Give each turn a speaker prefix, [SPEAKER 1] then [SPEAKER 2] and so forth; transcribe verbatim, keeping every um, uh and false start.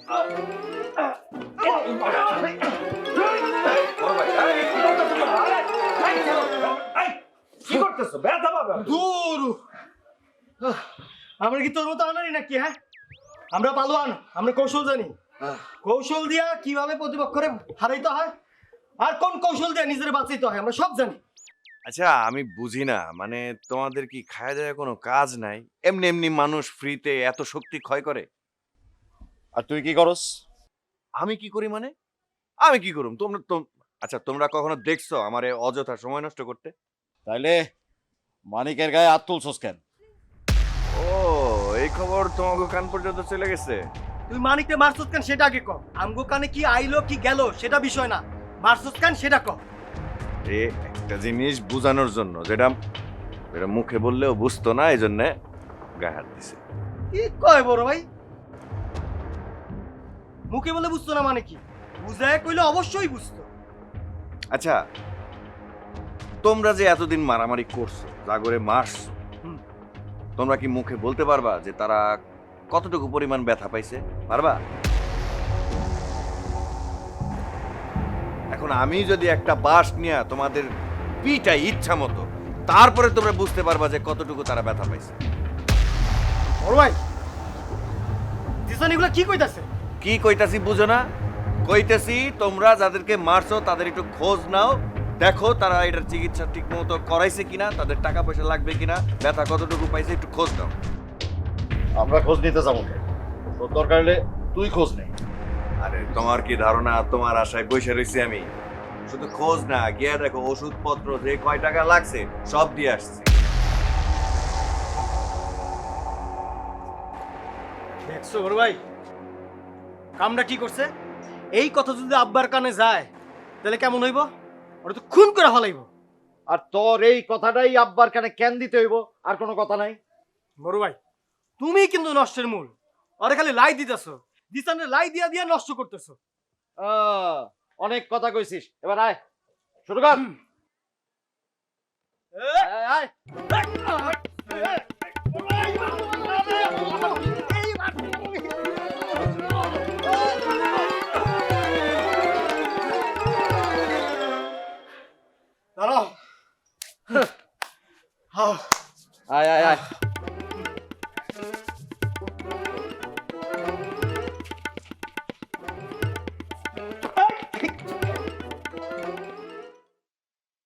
[SPEAKER 1] কি করতেছো? ব্যথা পাবে।
[SPEAKER 2] দূর আমরা কি তোর মতো আনারি নাকি? হ্যাঁ, আমরা পালোয়ান, আমরা কৌশল জানি। কৌশল দিয়া কিভাবে প্রতিপক্ষরে হারাইতে হয় আর কোন কৌশল দিয়ে নিজের বাঁচাইতে হয় আমরা সব জানি।
[SPEAKER 3] আচ্ছা আমি বুঝি না, মানে তোমাদের কি খায়া দেয়া কোনো কাজ নাই? এমনি এমনি মানুষ ফ্রিতে এত শক্তি ক্ষয় করে?
[SPEAKER 4] আর তুই কি করস?
[SPEAKER 3] আমি কি করি মানে? আমি কি করুম? তোমরা তো আচ্ছা তোমরা কখনো দেখছো আমারে অযথা সময় নষ্ট করতে?
[SPEAKER 4] তাইলে মানিকের গায়ে হাত তুলছস কেন?
[SPEAKER 3] ও এই খবর তোমাকে কান পর্যন্ত চলে গেছে?
[SPEAKER 2] তুই মানিককে মারছস কেন সেটা আগে ক। আমগো কানে কি আইলো কি গেল সেটা বিষয় না, মারছস কেন সেটা ক।
[SPEAKER 3] এ একটা জিনিস বুঝানোর জন্য যেটা এটা মুখে বললেও বুঝতো না, এই জন্য গায়ে হাত দিছে।
[SPEAKER 2] কি কয় বড় ভাই? মুখে বলে বুঝতো না মানে কি? বুঝায় কইলে অবশ্যই বুঝতো।
[SPEAKER 3] আচ্ছা তোমরা যে এতদিন মারামারি করছো, জাগরে মারছো,
[SPEAKER 2] হুম।
[SPEAKER 3] তোমরা কি মুখে বলতে পারবা যে তারা কতটুকু পরিমাণ ব্যথা পাইছে? পারবা? এখন আমি যদি একটা বাঁশ নিয়ে তোমাদের পিটাই ইচ্ছা মতো, তারপরে তোমরা বুঝতে পারবা যে কতটুকু তারা ব্যথা পাইছে।
[SPEAKER 2] বড় ভাই জিসান এগুলা কি কইতাছে?
[SPEAKER 3] কি কইতাছি বুঝো না? কইতেছি তোমরা যাদেরকে মারছো তাদের একটু খোঁজ নাও, দেখো তারা এটার চিকিৎসা ঠিক মতো করাইছে কিনা, তাদের টাকা পয়সা লাগবে কিনা, ব্যথা কতটুকু পাইছে একটু খোঁজ নাও।
[SPEAKER 4] আমরা খোঁজ নিতে যাবো কেন? তোর দরকার হলে তুই খোঁজ নে।
[SPEAKER 3] আরে তোমার কি ধারণা তোমার আশায় বসে রয়েছি আমি? শুধু খোঁজ না, গিয়ে দেখো ওষুধপত্র যে কয় টাকা লাগছে সব দিয়ে আসছে।
[SPEAKER 2] দেখছো বড় ভাই কামটা কি করছে? এই কথা যদি আব্বার কানে যায় তাহলে কেমন হইব? ওরা তো খুন করে ফেলাইব।
[SPEAKER 4] আর তোর এই কথাটাই আব্বার কানে কেন দিতে হইব? আর কোনো কথা নাই।
[SPEAKER 2] বড় ভাই তুমি কিন্তু নষ্টের মূল। ওরে খালি লাই দিতেছো, দিসানের লাই দিয়া দিয়া নষ্ট করতেছো।
[SPEAKER 4] আহ, অনেক কথা কইছিস, এবার আয় শুরু কর। আয়, আয়।
[SPEAKER 2] দাঁড়াও।
[SPEAKER 4] আয় আয় আয়